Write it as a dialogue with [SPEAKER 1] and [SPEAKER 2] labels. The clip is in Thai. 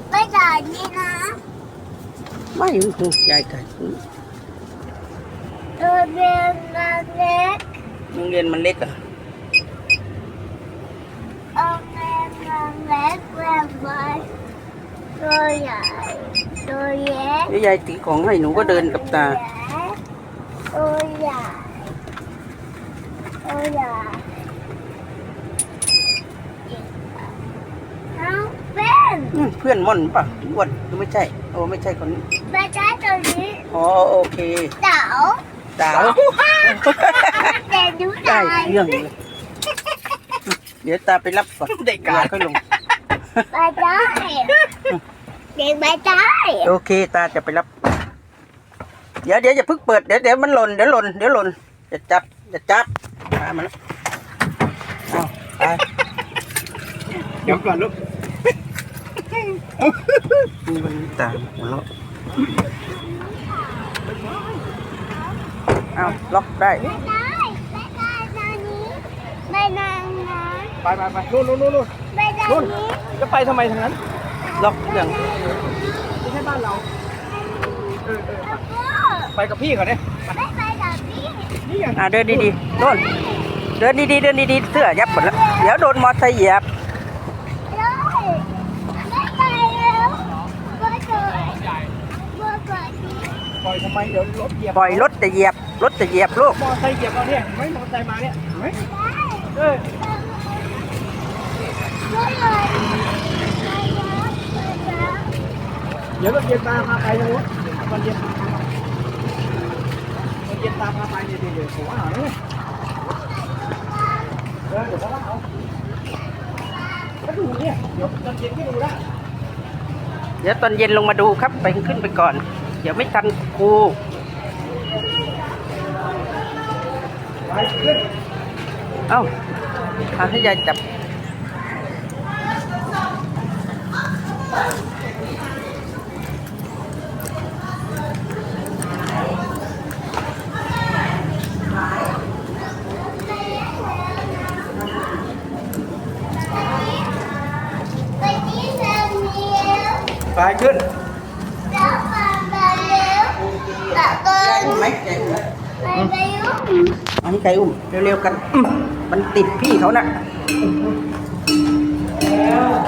[SPEAKER 1] ไม่จ่ายนี่นะ
[SPEAKER 2] ไม่ถูกยายกัน
[SPEAKER 1] โรงเรียนเล็ก
[SPEAKER 2] โรงเรียนมันเล็กอ่ะ
[SPEAKER 1] โรงเรียนเล็กแรงไปตัวใหญ่ตัวเล็ก
[SPEAKER 2] ยายตีของให้หนูก็เดินกับตา
[SPEAKER 1] ตัวใหญ่ตัวใหญ่น้องเป็น
[SPEAKER 2] เพื่อนม่อนป่ะอ้วนหรือไม่ใช่โอ้ไม่ใช่คนนี้
[SPEAKER 1] ไม่ใช่ตัวนี้
[SPEAKER 2] อ๋อโอเค
[SPEAKER 1] เต๋า
[SPEAKER 2] เต๋า
[SPEAKER 1] แต่ดู
[SPEAKER 2] ได้เรื่องเลยเดี๋ยวตาไปรับก่อนได้การค่อยลง
[SPEAKER 1] ไม่ได้เด็กไม่ได้
[SPEAKER 2] โอเคตาจะไปรับเดี๋ยวอย่าเพิ่งเปิดเดี๋ยวมันหล่นเดี๋ยวหล่นจะจับมาแล้วเอาไป
[SPEAKER 3] เดี๋ยวก่อนลูก
[SPEAKER 2] นี่มันตาหัวเราะเอาล็อกได้
[SPEAKER 1] ไม่ได้ตอนนี้ไม่นานนะ
[SPEAKER 3] ไปนู่น
[SPEAKER 1] ไม่ได้นี้
[SPEAKER 3] จะไปทำไมทางนั้น
[SPEAKER 2] ล็อกอย่าง
[SPEAKER 3] ไม่ใช่บ้านเรา
[SPEAKER 1] แล้วก็
[SPEAKER 3] ไปกับพี่ก่อนเนี่ย
[SPEAKER 1] ไม่ไปกับพี่
[SPEAKER 3] นี่ไง
[SPEAKER 2] เดินดีๆโน่นเดินดีๆเสื้อยับหมดแล้วเดี๋ยวโดนมอเตอร์ไซค์เหยียบ
[SPEAKER 1] เลยไม่ไปแล้วก็เจอว่าเกิดที่
[SPEAKER 3] ปล่อยทำไมเดี๋ยวรถเหยียบ
[SPEAKER 2] ปล่อยรถจะเหยียบลูก
[SPEAKER 3] มอเตอร์ไซค์เหยียบเราเนี่ยไม่มอเตอร์ไซค์มาเนี่ยไม่เดี๋ยวรถเย็นตามพาไปนะวะวันเย็นตามพาไปเดี๋ยวผมว่าเนี่ยเดี๋ยวเขาว่าเอาก็ดูเนี่ยเดี๋ยวตอนเย็นก็ดูได้
[SPEAKER 2] เดี๋ยวตอนเย็นลงมาดูครับไปขึ้นไปก่อนเดี๋ยวไม่ทันครู
[SPEAKER 3] ไปขึ้น
[SPEAKER 2] เอ้าให้ยายจับ
[SPEAKER 3] ไปขึ้น
[SPEAKER 2] ไหมอันนี้ใครอุ้มเร็วๆกันมันติดพี่เขานะ